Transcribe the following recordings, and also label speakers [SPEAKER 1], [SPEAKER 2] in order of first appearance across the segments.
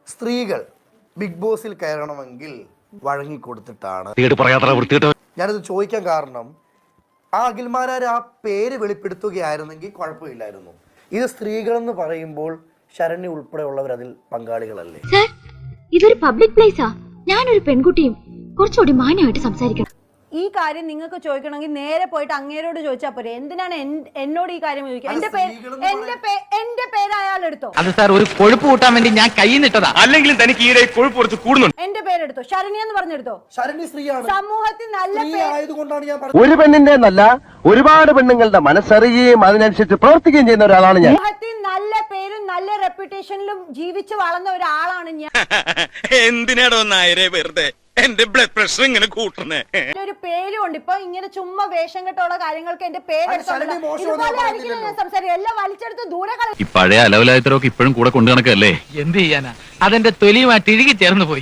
[SPEAKER 1] സ്ത്രീകൾ ബിഗ് ബോസിൽ കയറണമെങ്കിൽ വഴങ്ങിക്കൊടുത്തിട്ടാണ്. ഞാനിത് ചോദിക്കാൻ കാരണം ആ അഖിൽമാരാർ ആ പേര് വെളിപ്പെടുത്തുകയായിരുന്നെങ്കിൽ കുഴപ്പമില്ലായിരുന്നു. ഇത് സ്ത്രീകളെന്ന് പറയുമ്പോൾ ശരണ്യ ഉൾപ്പെടെയുള്ളവർ അതിൽ പങ്കാളികളല്ലേ?
[SPEAKER 2] ഇതൊരു പബ്ലിക് പ്ലേസാ. ഞാനൊരു പെൺകുട്ടിയും കുറച്ചുകൂടി മാന്യമായിട്ട് സംസാരിക്കണം.
[SPEAKER 3] ഈ കാര്യം നിങ്ങൾക്ക് ചോദിക്കണമെങ്കിൽ നേരെ പോയിട്ട് അങ്ങേരോട് ചോദിച്ചാൽ പോരെ. എന്തിനാണ് എന്നോട് ഈ കാര്യം ചോദിക്കുക? എന്റെ പേര് അയാൾ എടുത്തോ?
[SPEAKER 4] അത് സാർ ഒരു കൊഴുപ്പ് കൂട്ടാൻ വേണ്ടി ഞാൻ കൈ നിട്ടതാ. അല്ലെങ്കിൽ തനിക്ക് ഈയിടെ കൊഴുപ്പ് കുറച്ച് കൂടുന്നുണ്ട്.
[SPEAKER 3] എന്റെ പേരെടുത്തോ? ശരണ്യ എന്ന് പറഞ്ഞെടുത്തോ?
[SPEAKER 1] ശരണ്യ സ്ത്രീയാണ്.
[SPEAKER 3] സമൂഹത്തിൽ നല്ല
[SPEAKER 1] ആയതുകൊണ്ടാണ് ഞാൻ
[SPEAKER 5] ഒരു പെണ്ണിന്റെ എന്നല്ല ഒരുപാട് പെണ്ണുങ്ങളുടെ മനസ്സറിയുകയും അതിനനുസരിച്ച് പ്രവർത്തിക്കുകയും ചെയ്യുന്ന ഒരാളാണ് ഞാൻ.
[SPEAKER 3] സമൂഹത്തിൽ നല്ല പേരും നല്ല റെപ്യൂട്ടേഷനിലും ജീവിച്ചു വളർന്ന ഒരാളാണ് ഞാൻ.
[SPEAKER 6] എന്തിനാടോ നായരെ വെറുതെ എന്റെ ബ്ലഡ് പ്രഷർ ഇങ്ങനെ കൂട്ടണേ?
[SPEAKER 3] ഒരു പേരും ഉണ്ട്. ഇപ്പൊ ഇങ്ങനെ ചുമ്മാ വേഷം കെട്ടുള്ള കാര്യങ്ങൾക്ക് എന്റെ പേരെടുത്തോ? എല്ലാം വലിച്ചെടുത്ത് ദൂരെ
[SPEAKER 7] ഈ പഴയ അലവലായത്തരൊക്കെ ഇപ്പോഴും കൂടെ കൊണ്ടു നടക്കല്ലേ?
[SPEAKER 4] എന്ത് ചെയ്യാനാ? അതെന്റെ തൊലിയുമായിട്ട് ഇഴുകി ചേർന്ന് പോയി.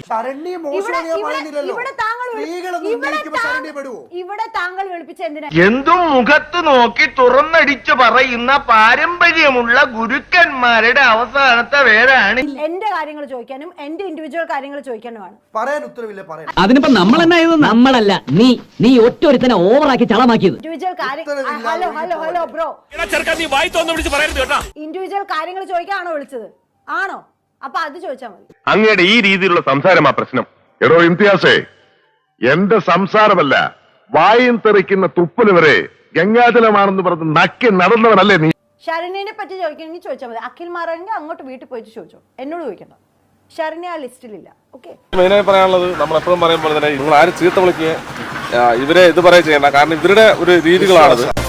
[SPEAKER 3] ഇവിടെ താങ്കൾ വിളിപ്പിച്ച എന്തിനാ?
[SPEAKER 5] എന്തും മുഖത്ത് നോക്കി തുറന്നടിച്ചു പറയുന്ന പാരമ്പര്യമുള്ള ഗുരുക്കന്മാരുടെ അവസാനത്തെ പേരാണ്.
[SPEAKER 3] എന്റെ കാര്യങ്ങൾ ചോദിക്കാനും എന്റെ ഇൻഡിവിജ്വൽ കാര്യങ്ങൾ ചോദിക്കാനുമാണ്.
[SPEAKER 1] പറയാൻ ഉത്തരവില്ല. പറയാൻ
[SPEAKER 8] അതിനിപ്പോ നമ്മൾ നമ്മളല്ല നീ ഒറ്റൊരുത്തനെ ഓവറാക്കി ചളമാക്കിയത്.
[SPEAKER 3] ഇൻഡിവിജ്വൽ ഹലോ ബ്രോ, ഇൻഡിവിജ്വൽ കാര്യങ്ങൾ ചോദിക്കാനാണോ വിളിച്ചത്? ആണോ? അപ്പൊ അത് ചോദിച്ചാൽ മതി.
[SPEAKER 9] അങ്ങയുടെ ഈ രീതിയിലുള്ള സംസാരമാ പ്രശ്നം. എടോ ഇംതിയാസേ, എന്റെ സംസാരമല്ല വായും തെറിക്കുന്ന തുപ്പല് വരെ ഗംഗാജലമാണെന്ന് പറഞ്ഞ് നക്കി നടന്നവനല്ലേ നീ?
[SPEAKER 3] ശരണ്യനെ പറ്റി ചോദിക്കണമെങ്കിൽ ചോദിച്ചാൽ മതി. അഖിൽ മാറാണെങ്കിൽ അങ്ങോട്ട് വീട്ടിൽ പോയിട്ട് ചോദിച്ചോ, എന്നോട് ചോദിക്കണ്ട. ശരണ്യ ആ ലിസ്റ്റിലില്ല. ഓക്കെ,
[SPEAKER 10] മെയിനായി പറയാനുള്ളത് നമ്മൾ എപ്പോഴും പറയുമ്പോൾ തന്നെ നിങ്ങൾ ആരും ചീത്ത വിളിക്കുക ഇവരെ ഇത് പറയാൻ ചെയ്യണ്ട. കാരണം ഇവരുടെ ഒരു രീതികളാണത്.